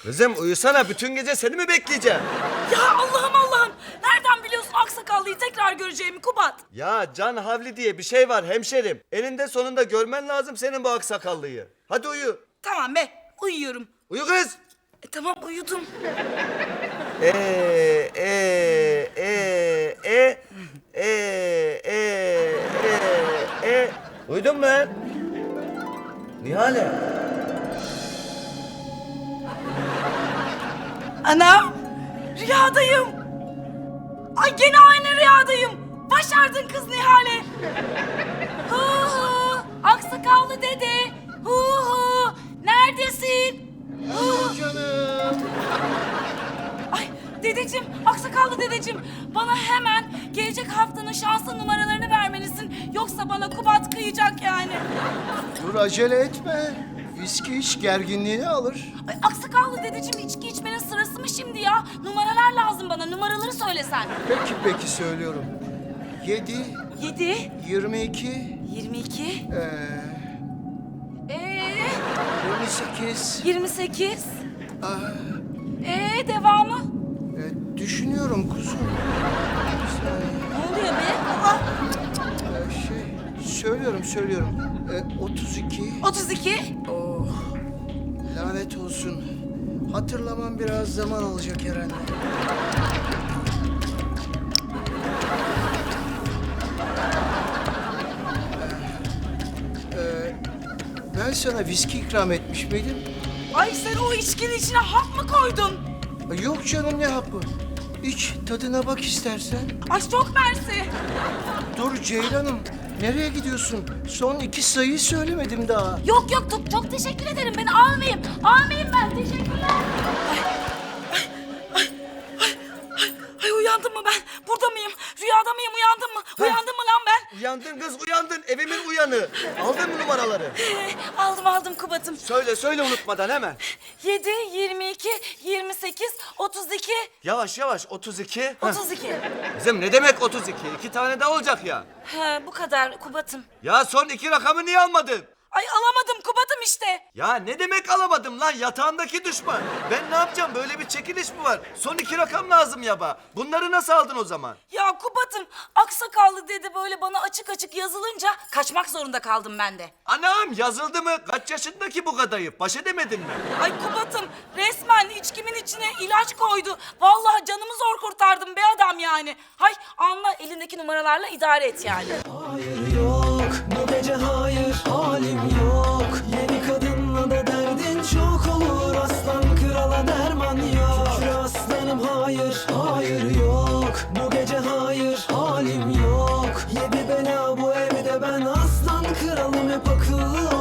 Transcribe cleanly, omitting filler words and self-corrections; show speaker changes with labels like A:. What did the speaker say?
A: Kızım uyusana, bütün gece seni mi bekleyeceğim?
B: Ya Allah'ım. Nereden biliyorsun aksakallıyı tekrar göreceğimi Kubat?
A: Ya can havli diye bir şey var hemşerim. Eninde sonunda görmen lazım senin bu aksakallıyı. Hadi uyu.
B: Tamam be, uyuyorum.
A: Uyu kız.
B: Tamam uyudum.
A: E e e e e e. Uyudun mu lan? Nihale.
B: Anam, rüyadayım. Ay gene aynı rüyadayım. Başardın kız Nihale. Hu hu, aksakallı dede. Hu hu, neredesin? Hu.
C: Canım.
B: Ay dedeciğim, aksakallı dedeciğim. Bana hemen gelecek haftanın şanslı numaralarını vermelisin. Yoksa bana Kubat kıyacak yani.
C: Dur acele etme. Viski iç gerginliğini alır.
B: Ay aksakallı dedeciğim, içki içmenin sırası mı şimdi ya? Numaralar lazım bana, numaraları söylesen.
C: Peki söylüyorum. 7,
B: 7,
C: 22,
B: 22,
C: 28.
B: 28.
C: Ah,
B: Devamı?
C: düşünüyorum kuzum.
B: Ne oluyor be? Aa,
C: Söylüyorum. 32.
B: 32.
C: Oh, lanet olsun. Hatırlamam biraz zaman alacak herhalde. Ben sana viski ikram etmiş miydim?
B: Ay sen o içkinin içine hap mı koydun?
C: Yok canım, ne hapı? İç, tadına bak istersen.
B: Ay çok mersi.
C: Dur Ceylan'ım, nereye gidiyorsun? Son 2 sayıyı söylemedim daha.
B: Yok çok teşekkür ederim. Ben almayayım. Almayayım ben. Teşekkürler. Ay uyandım mı ben? Burada mıyım? Rüyada mıyım? Uyandım mı? Uyandım mı lan ben?
A: Uyandın kız, uyandın. Evimin uyanı. Aldın mı numaraları?
B: Aldım Kubat'ım.
A: Söyle unutmadan hemen.
B: 7, 22, 28, 32,
A: Yavaş 32.
B: 32.
A: Kızım ne demek 32? 2 tane daha olacak ya.
B: Bu kadar Kubat'ım.
A: Ya son 2 rakamı niye almadın?
B: Ay alamadım Kubat'ım işte.
A: Ya ne demek alamadım lan, yatağındaki düşman. Ben ne yapacağım, böyle bir çekiliş mi var? Son 2 rakam lazım yaba. Bunları nasıl aldın o zaman?
B: Ya Kubat'ım aksakallı dedi böyle bana açık yazılınca kaçmak zorunda kaldım ben de.
A: Anam yazıldı mı? Kaç yaşındaki bu kadayıf? Baş edemedin mi?
B: Ay Kubat'ım resmen içkimin içine ilaç koydu. Vallahi canımı zor kurtardım be adam yani. Hay anla elindeki numaralarla idare et yani.
D: Hayır yok bu gece, hayır halim yok. Yeni kadınla da derdin çok olur. Aslan krala derman yok. Şükür aslanım, hayır yok. Bu gece hayır halim yok. Yedi bela bu evde, ben aslan kralım, hep akıllı